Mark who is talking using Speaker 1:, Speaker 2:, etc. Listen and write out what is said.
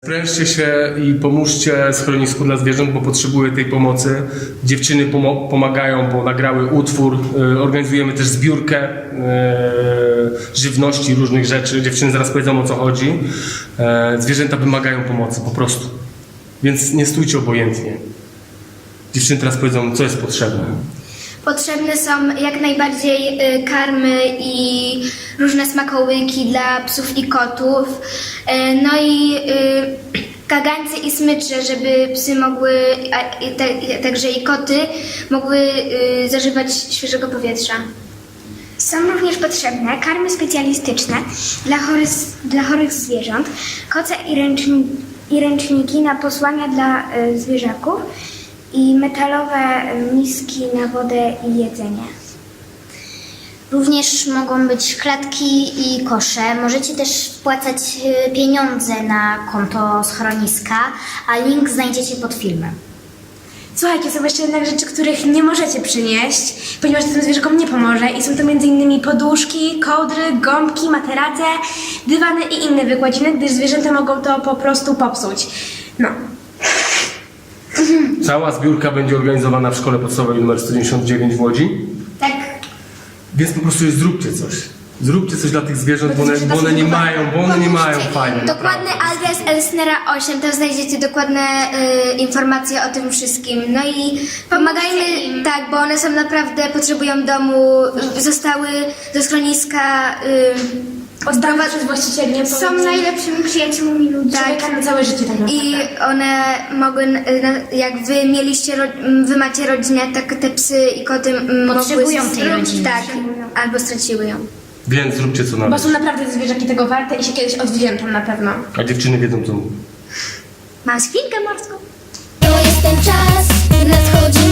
Speaker 1: Sprężcie się i pomóżcie schronisku dla zwierząt, bo potrzebuję tej pomocy. Dziewczyny pomagają, bo nagrały utwór. Organizujemy też zbiórkę żywności, różnych rzeczy. Dziewczyny zaraz powiedzą, o co chodzi. Zwierzęta wymagają pomocy po prostu. Więc nie stójcie obojętnie. Dziewczyny teraz powiedzą, co jest potrzebne.
Speaker 2: Potrzebne są jak najbardziej karmy i różne smakołyki dla psów i kotów. No i kagańce i smycze, żeby psy mogły, także i koty, mogły zażywać świeżego powietrza.
Speaker 3: Są również potrzebne karmy specjalistyczne dla chorych zwierząt, koce i ręczniki na posłania dla zwierzaków i metalowe miski na wodę i jedzenie.
Speaker 4: Również mogą być klatki i kosze. Możecie też wpłacać pieniądze na konto schroniska, a link znajdziecie pod filmem.
Speaker 5: Słuchajcie, są jeszcze jednak rzeczy, których nie możecie przynieść, ponieważ to tym zwierzakom nie pomoże i są to m.in. poduszki, kołdry, gąbki, materace, dywany i inne wykładziny, gdyż zwierzęta mogą to po prostu popsuć. No.
Speaker 1: Cała zbiórka będzie organizowana w szkole podstawowej nr 199 w Łodzi.
Speaker 2: Tak.
Speaker 1: Więc po prostu zróbcie coś. Zróbcie coś dla tych zwierząt, bo one nie mają fajnie.
Speaker 2: Dokładny adres Elsnera 8, tam znajdziecie dokładne informacje o tym wszystkim. No i pomagajmy im. Tak, bo one są naprawdę, potrzebują domu, zostały do schroniska
Speaker 5: Oddane przez właścicieli.
Speaker 3: Są najlepszymi przyjaciółmi ludzi.
Speaker 5: Człowieka na całe życie tak naprawdę.
Speaker 2: I one mogły, jak wy macie rodzinę, tak te psy i koty
Speaker 4: Potrzebują
Speaker 2: mogły
Speaker 4: tej rodziny.
Speaker 2: Tak, albo straciły ją.
Speaker 1: Więc zróbcie co
Speaker 5: Bo
Speaker 1: należy.
Speaker 5: są naprawdę te zwierzaki tego warte i się kiedyś odwdzięczą na pewno.
Speaker 1: A dziewczyny wiedzą co mówią.
Speaker 2: Mam świnkę morską.
Speaker 4: To jest ten czas, nadchodzi